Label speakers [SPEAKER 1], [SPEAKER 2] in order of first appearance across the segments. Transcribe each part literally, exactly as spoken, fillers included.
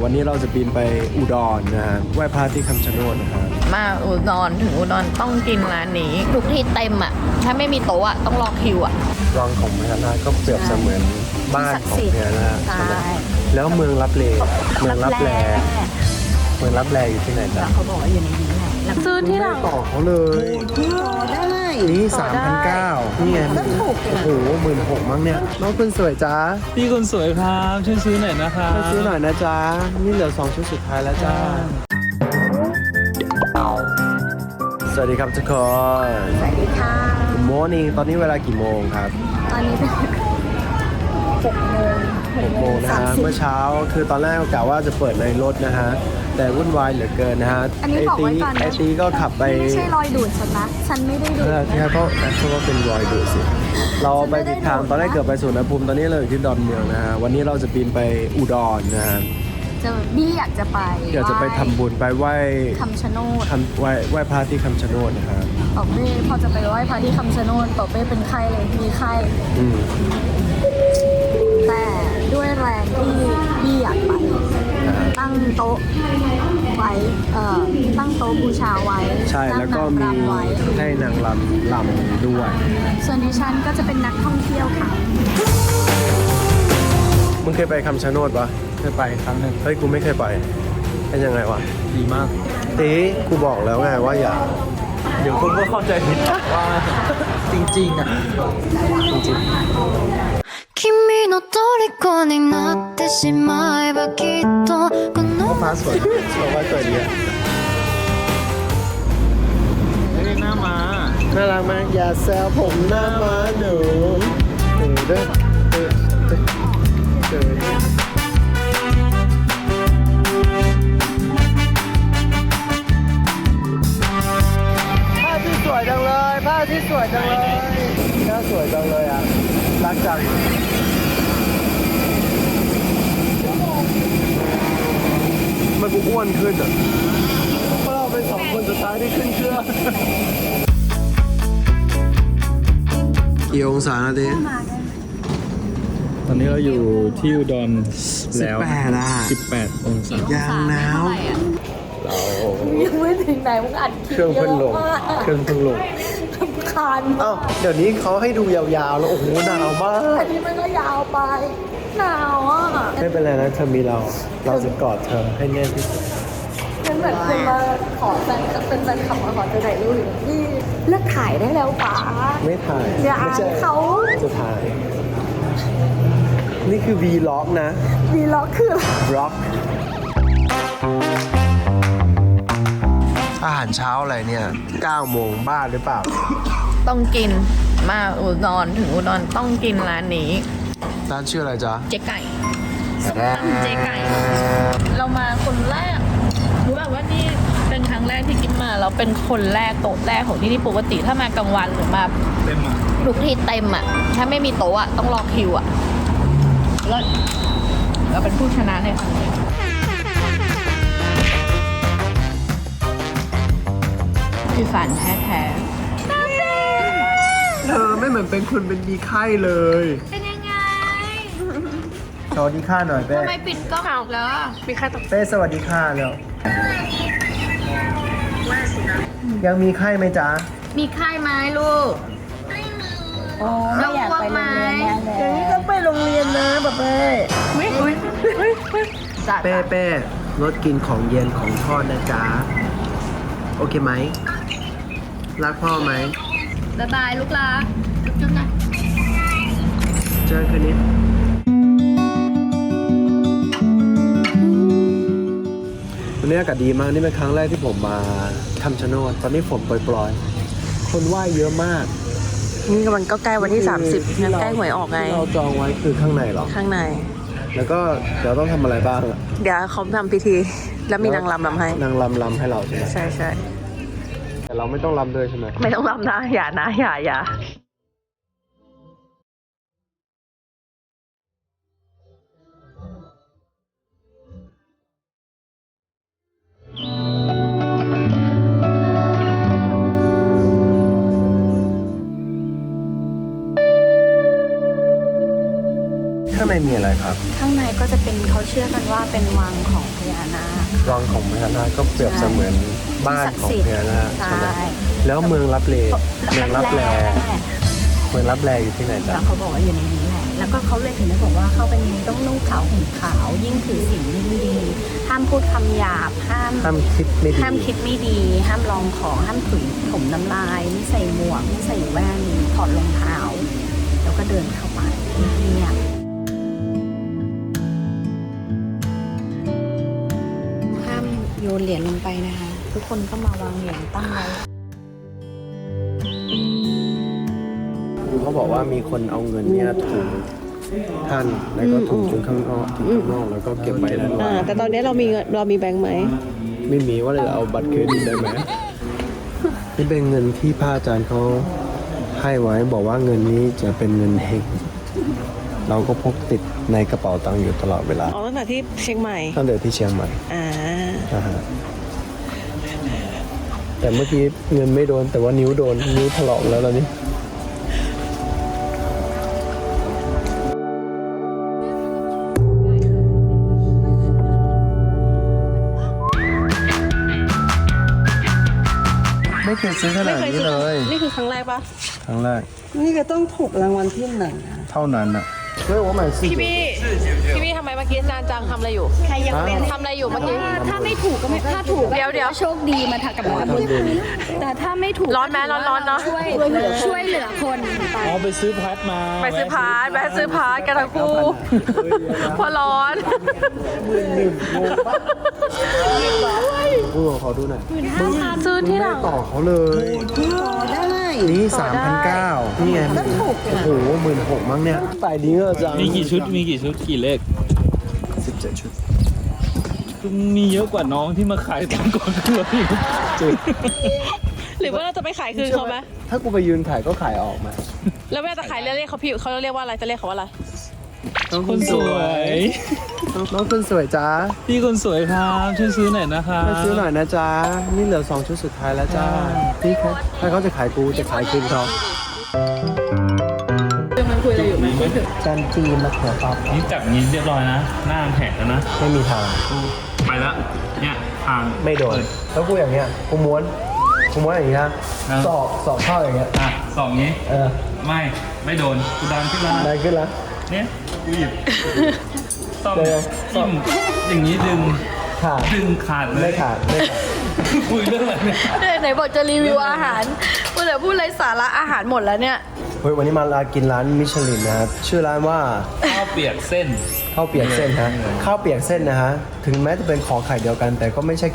[SPEAKER 1] วันนี้เราจะบินไปอุดรนะฮะไหว้พระที่คำชะโนดนะครับ
[SPEAKER 2] มาอุดรถึงอุดรต้องกินร้านนี้ทุกที่เต็มอ่ะถ้าไม่มีโต๊ะอ่ะต้องรอคิวอ่ะ
[SPEAKER 1] วังของพญานาคก็เปรียบเสมือนบ้านของพญานาคใช่ไหมแล้วเมืองลับเลเมืองลับแลเมืองลับแลอยู่ที่ไหนจ๊ะ
[SPEAKER 2] เขาบอกว่าอยู่ในนี้แหละซื้อที่เรา
[SPEAKER 1] ต่อเขาเลย
[SPEAKER 2] ได้
[SPEAKER 1] นี่สามพันเก้านี่ไงโอ้โหหมื่นหกมั้งเนี่ยน้องคุณสวยจ้า
[SPEAKER 3] พี่คนสวยครับช่วยซื้อหน่อยนะครับ
[SPEAKER 1] ช่วยซื้อหน่อยนะจ๊ะนี่เหลือสองชุดสุดท้ายแล้วจ้าสวัสดีครับทุกคน
[SPEAKER 2] สวัสดีค่ะ
[SPEAKER 1] Good morning ตอนนี้เวลากี่โมงครับ
[SPEAKER 2] ตอนนี้เป็นหกโมง
[SPEAKER 1] หกโมงนะฮะเมื่อเช้าคือตอนแรกกะว่าจะเปิดในรถนะฮะแต่วุ่นวายเหลือเกินนะฮะ
[SPEAKER 2] อันนี้บอกไว้ก่อนนะ
[SPEAKER 1] ไอตีก็ขับไป
[SPEAKER 2] ไม่ใช่รอยดูดฉันนะฉันไม่ได้ดูดนะ
[SPEAKER 1] ที่เขาเขาก็เป็นรอยดูดสิเราไปผิดทางตอนแรกเกือบไปสุวรรณภูมิตอนนี้เราอยู่ที่ดอนเมืองนะฮะวันนี้เราจะบินไปอุดรนะฮะ
[SPEAKER 2] จะบี้อยากจะไป
[SPEAKER 1] อยากจะไปทำบุญไปไหว้
[SPEAKER 2] คำชะโนด
[SPEAKER 1] ทำไหว้ไหว้พระที่คำชะโนดนะครับ
[SPEAKER 2] ปอเป้พอจะไปไหว้พระที่คำชะโนดปอเป้เป็นไข้เลยมีไข้แต่ด้วยแรงที่บี้อยากไปตั้งโต๊ะไว้เอ่อตั้งโต๊ะบูชาไว้
[SPEAKER 1] ใช่แล้วก็มีให้นางรำรำด้วย
[SPEAKER 2] ส่วนดิฉันก็จะเป็นนักท่องเที่ยวค่ะ
[SPEAKER 1] มึงเคยไปคำชะโนดปะ
[SPEAKER 3] เคยไปครั้งหนึ่ง
[SPEAKER 1] เฮ้ยกูไม่เคยไปเป็นยังไงวะ
[SPEAKER 3] ดีมาก
[SPEAKER 1] ตีกูบอกแล้วไงว่าอย่า
[SPEAKER 3] เดี๋ยวคนก็เข้าใจผิดว่าจริงๆอ่ะจริงๆ
[SPEAKER 4] 君の虜になってしまえばきっとこの
[SPEAKER 1] ฟ้าสวยสวยว่าสวยดีอะ
[SPEAKER 3] เฮ้ยหน้ามา
[SPEAKER 1] น่ารักมากอย่าแซวผมหน้าม้าหนูเออเด้อเออเด้อเออผ้าที่สวยจังเลยผ้าที่สวยจังเลยหน้าสวยจังเลยอ่ะรักจังมันกูอ้วนขึ้นอ่ะเพราะเราเป็นสองคนสุดท้ายที่ขึ้นเครื่องกี่องศานะดิ
[SPEAKER 3] ตอนนี้เราอยู่ที่อุดรแล้ว
[SPEAKER 1] สิบแปดอ่ะ
[SPEAKER 3] สิบแปดองศาย
[SPEAKER 1] างหนาว
[SPEAKER 2] เรายังไม่ถึงไหนมึงอัด
[SPEAKER 1] เครื่องเพิ่งลงเครื่องเพิ่งลง
[SPEAKER 2] รำคาญ
[SPEAKER 1] อ้าวเดี๋ยวนี้เขาให้ดูยาวๆแล้วโอ้โหหนาวมาก
[SPEAKER 2] อันนี้มันก็ยาวไปหนาวอ่ะ
[SPEAKER 1] ไม่เป็นไรนะเธอมีเราเราจะกอดเธอให้แน่นที่สุด
[SPEAKER 2] มันเหมือนคุณมาขอแฟนเป็นแฟนขับมาขอจะถ่ายรูปอยู่นี่เลิกถ่ายได้แล้วป๋า
[SPEAKER 1] ไม่ถ่าย
[SPEAKER 2] อย่าเขา
[SPEAKER 1] จะถ่ายนี่คือ Vlog นะ
[SPEAKER 2] Vlog คือ
[SPEAKER 1] Vlog อาหารเช้าอะไรเนี่ยเก้าโมงบ้าหรือเปล่า
[SPEAKER 2] ต้องกินมาอุดรถึงอุดรต้องกินร้านนี้
[SPEAKER 1] ร้านชื่ออะไรจ๊ะ
[SPEAKER 2] เจ๊ไก่ส้มตำเจ๊ไก่เรามาคนแรกรู้แบบว่านี่เป็นครั้งแรกที่กินมาเราเป็นคนแรกโต๊ะแรกของที่นี่ปกติถ้ามากลางวันหรือมา
[SPEAKER 3] เต็มอ่ะ
[SPEAKER 2] ทุกที่เต็มอ่ะถ้าไม่มีโต๊ะอ่ะต้องรอคิวอ่ะแล้วเราเป็นผู้ชนะในครั้งนี้อีสานแท้ๆ
[SPEAKER 1] เธอไม่เหมือนเป็นคุณเป็นมีไข้เลย
[SPEAKER 2] เป็นยังไง
[SPEAKER 1] สวัสดีค่ะหน่อยเป้
[SPEAKER 2] ทำไมปิดกล้องแล้วมีใครตก
[SPEAKER 1] เป้สวัสดีค่ะแล้วยังมีไข้ไหมจ๊ะ
[SPEAKER 2] มีไข้ไหมลูก
[SPEAKER 4] ไม่มี
[SPEAKER 2] เราอยากไปโรงเรียน
[SPEAKER 1] เดี๋ยวนี้ต้องไปโรงเรียนนะป๊าเป้เป้เป้ลดกินของเย็นของทอดนะจ๊ะโอเคไหมรักพ่อไหม
[SPEAKER 2] บ๊ายบายลูกลาจุ๊บๆนะ
[SPEAKER 1] เจอคืนนี้วันนี้อากาศดีมากนี่เป็นครั้งแรกที่ผมมาคำชะโนดตอนนี้ฝนปล่อยๆคนว่ายเยอะมาก
[SPEAKER 5] นี่กำลังก็ใกล้วันที่สามสิบงั้นใกล้หวยออกไง
[SPEAKER 1] เราจองไว้คือข้างในหรอ
[SPEAKER 5] ข้างใน
[SPEAKER 1] แล้วก็เดี๋ยวต้องทำอะไรบ้าง
[SPEAKER 5] เดี๋ยวเขาทำพิธีแล้วมีนางรำรำให้
[SPEAKER 1] นางรำรำให้เราใช่ไหม
[SPEAKER 5] ใช่ใช่
[SPEAKER 1] แต่เราไม่ต้องรำด้วยใช่ไหม
[SPEAKER 5] ไม่ต้องรำนะอย่านะอย่าอย่า
[SPEAKER 1] ข้างในมีอะไรครับ
[SPEAKER 2] ข้างในก็จะเป็นเขาเชื่อกันว่าเป็นวังของพญานาค
[SPEAKER 1] วังของพญานาคก็เปรียบเสมือนบ้านของพญานาค
[SPEAKER 2] ใช่
[SPEAKER 1] ใช่ไหมแล้วเมืองรับเลเมืองรับแลเมืองรับแลอยู่ที่ไหน
[SPEAKER 2] แล้
[SPEAKER 1] จ๊ะ
[SPEAKER 2] วเขาบอกว่าอยู่ในนี้แหละแล้วก็เขาเลยถึงได้บอกว่าเข้าไปในนี้ต้องนุ่งขาวห่มขาวยิ่งถือศีลยิ่งดีห้ามพูดคำหยาบห้าม
[SPEAKER 1] ห้ามคิดไม่ดี
[SPEAKER 2] ห้ามคิดไม่ดี ห้ามลองของห้ามถุยผมน้ำลายไม่ใส่หมวกไม่ใส่แว่นถอดรองเท้าแล้วก็เดินเข้าไปเงียบห้ามโยนเหรียญลงไปนะคะ ทุกคนก็มาวางเหรียญตั้งไว้
[SPEAKER 1] เขาบอกว่ามีคนเอาเงินเนี่ยถูกท่านแล้วก็ถูกถึงข้างนอกถึงข้างนอกแล้วก็เก็บไว้ด้านใน
[SPEAKER 5] อ่า แต่ตอนนี้เรามีเงินเรามีแบงค์ไหม
[SPEAKER 1] ไม่มีว่าเลยเอาบัตรเครดิตได้ไหมนี่เป็นเงินที่พระอาจารย์เขาให้ไว้บอกว่าเงินนี้จะเป็นเงินเฮงเราก็พกติดในกระเป๋าตังค์อยู่ตลอดเวลา
[SPEAKER 5] อ๋อ ตั้งแต่ที่เชียงใหม่
[SPEAKER 1] ตั้งแต่ที่เชียงใหม่
[SPEAKER 5] อ่า
[SPEAKER 1] นะฮะแต่เมื่อกี้เงินไม่โดนแต่ว่านิ้วโดนนิ้วถลอกแล้วตอนนี้ ไม่เคยซื้อขนาดนี้เลย
[SPEAKER 5] นี่คือครั้งแรกปะ
[SPEAKER 1] ครั้งแรก
[SPEAKER 6] นี่ก็ต้องถูกรางวัลที่หนึ่ง
[SPEAKER 1] เท่านั้นอ่ะเฮ้ย我买四
[SPEAKER 5] พี่บี้พี่บี้ทำไมเมื่อกี้นานจังทำอะไรอยู่
[SPEAKER 2] ใครยังเป็น
[SPEAKER 5] ทำอะไรอยู่เมื่อกี้
[SPEAKER 2] ถ้าไม่ถูกก็ไม่ถ้าถูก
[SPEAKER 5] เดี๋ยวเดี๋ยว
[SPEAKER 2] โชคดีมาถักกับเราแต่ถ้าไม่ถูก
[SPEAKER 5] ร้อนไหมร้อนร้อนเนอะ
[SPEAKER 2] ช่วยช่วยเหลือคนไป
[SPEAKER 3] อ๋อไปซื้อพัดมา
[SPEAKER 5] ไปซื้อพาร์ทไปซื้อพาร์ทกันทั้งคู่เพอร้อน
[SPEAKER 1] กูขอดูหน่อย
[SPEAKER 5] ซื้อที่ห
[SPEAKER 1] ไม่
[SPEAKER 5] ลัง
[SPEAKER 1] ต่อเขาเลย
[SPEAKER 6] ได้
[SPEAKER 1] นี่สามพันเก้านี่ไงโอ้โหหมื่นหกมั้งเนี่ยไปดีเออจัง
[SPEAKER 3] มีกี่ชุดมีกี่ชุดกี่เลข
[SPEAKER 1] สิบเจ็ดชุด
[SPEAKER 3] มีเยอะกว่าน้องที่มาขายตอนก่อนขึ้นรถอีกจริง
[SPEAKER 5] หรือว่าเราจะไปขายคืนเขาไหม
[SPEAKER 1] ถ้ากูไปยืนถ่ายก็ขายออกมา
[SPEAKER 5] แล้วเวลาจะขายเรียกเขาพี่เขาเรียกว่าอะไรจะเรียกเขาว่าอะไร
[SPEAKER 1] น้อง
[SPEAKER 3] คนสวย
[SPEAKER 1] น้องน้องคนสวยจ้า
[SPEAKER 3] พี่คนสวยครับช่วยซื้อหน่อยนะคะ
[SPEAKER 1] ไปซื้อหน่อยนะจ๊ะนี่เหลือสองชุดสุดท้ายแล้วจ้าพี่ครับถ้าเขาจะขายกูจะขายคืนเขา
[SPEAKER 5] มันคุยอะไรอยู่ไหม
[SPEAKER 1] จานจีนมะเขือเปราะ
[SPEAKER 3] นี่จับนี้เรียบร้อยนะ หน้าแผลแล้วนะ
[SPEAKER 1] ไม่มีทาง
[SPEAKER 3] ไปแล้วเนี่ยทาง
[SPEAKER 1] ไม่โดนแล้วกูอย่างเงี้ยกูม้วนกูม้วนอย่างเงี้ยสอบสอบเข้าอย่างเงี้ย
[SPEAKER 3] อ่ะสองนี้
[SPEAKER 1] เออ
[SPEAKER 3] ไม่ไม่โดนกูดันขึ้นแล้วนะ
[SPEAKER 1] ได้ขึ้นแล้ว
[SPEAKER 3] เนี่ยกูหยิบต้อง
[SPEAKER 1] เดี๋ยว
[SPEAKER 3] จิ้มอย่างนี้ดึง
[SPEAKER 1] ขาด
[SPEAKER 3] ดึงขาดเลย
[SPEAKER 1] ไม่ขาดไม่ขาด
[SPEAKER 3] คุยเรื่องอะไรเนี่ย
[SPEAKER 5] ไหนบอกจะรีวิวอาหารพูดแต่พูดไรสาระอาหารหมดแล้วเนี่ย
[SPEAKER 1] เฮ้ยวันนี้มาลากินร้านมิชลินนะครับชื่อร้านว่า
[SPEAKER 3] ข้าวเปียกเส้น
[SPEAKER 1] ข้าวเปียกเส้นฮะข้าวเปียกเส้นนะฮะถึงแม้จะเป็นของไข่เดียวกัน แต่ก็ไม่ใช่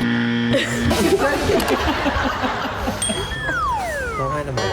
[SPEAKER 1] ร้องไห้ทำไม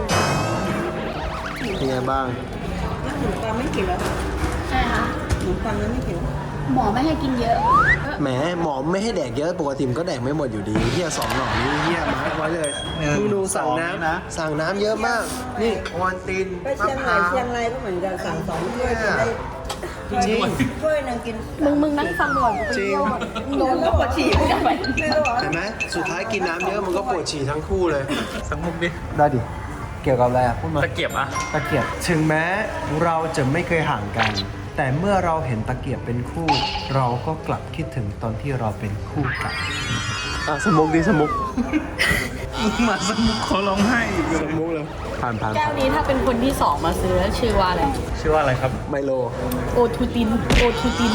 [SPEAKER 1] เป็นไงบ้าง
[SPEAKER 6] ขนมปังไม่เขียว
[SPEAKER 2] ใช่ค่ะ
[SPEAKER 6] ขนมปังนั้นไม่เขียว
[SPEAKER 2] หมอไม่ให้กินเยอะ
[SPEAKER 1] แหมหมอไม่ให้แดกเยอะปกติมันก็แดกไม่หมดอยู่ดีเฮียสองหน่อนี้เฮียมาร์คไว้เลย
[SPEAKER 3] หนึ่ง
[SPEAKER 1] มึงดูสั่ง
[SPEAKER 3] สอง
[SPEAKER 1] น้ำ
[SPEAKER 3] นะ
[SPEAKER 1] สั่งน้ำเยอะมาก นี่วอนติน
[SPEAKER 6] ไปเชียงใหม่เชียงรายก็เหมือนกันสั่งสองถ้วยกินได้
[SPEAKER 1] จริง
[SPEAKER 6] ถ้วยหนึงกิน
[SPEAKER 2] มึงมึงนั่งฟังก่อน
[SPEAKER 1] จริง
[SPEAKER 6] โดนแล้วปวดฉี่ไม่ได้ไม่รู้เหรอ
[SPEAKER 1] เห็นไหมสุดท้ายกินน้ำเยอะมันก็ปวดฉี่ทั้งคู่เลย
[SPEAKER 3] สักมุกดิ
[SPEAKER 1] ได้ดิ เกี่ยวกับอะไรอ่ะพูดมา
[SPEAKER 3] ตะเกียบอ่ะ
[SPEAKER 1] ตะเกียบถึงแม้เราจะไม่เคยห่างกัน แต่เมื่อเราเห็นตะเกียบเป็นคู่ เราก็กลับคิดถึงตอนที่เราเป็นคู่กันอ่ะสมุกดิสมุก
[SPEAKER 3] มาสักมุกเขาร้องไห้อีกเลย
[SPEAKER 1] สมุกเลยผ่านผ่าน
[SPEAKER 2] แก้วนี้ถ้าเป็นคนที่สองมาซื้อชื่อว่าอะไร
[SPEAKER 3] ชื่อว่าอะไรครับ
[SPEAKER 1] ไมโล
[SPEAKER 2] โอทูติน โอทูติน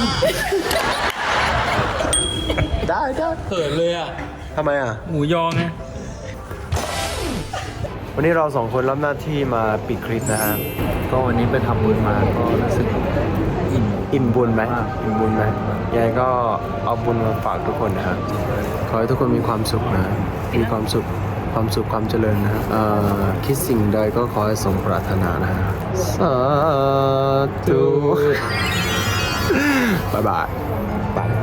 [SPEAKER 1] ได้ได้
[SPEAKER 3] เขินเลยอ่ะ
[SPEAKER 1] ทำไมอ่ะ
[SPEAKER 3] หมูยอไง
[SPEAKER 1] วันนี้เราสองคนรับหน้าที่มาปิดคลิปนะฮะ ก็วันนี้ไปทำบุญมาก็รู้สึกอิ่มอิ่มบุญไหมอิ่มบุญไหมยังไงก็เอาบุญมาฝากทุกคนนะครับขอให้ทุกคนมีความสุขนะ มีความสุข ความสุขความเจริญนะฮะเอ่อคิดสิ่งใดก็ขอให้สมปรารถนานะฮะสาธุ บ๊ายบายบาย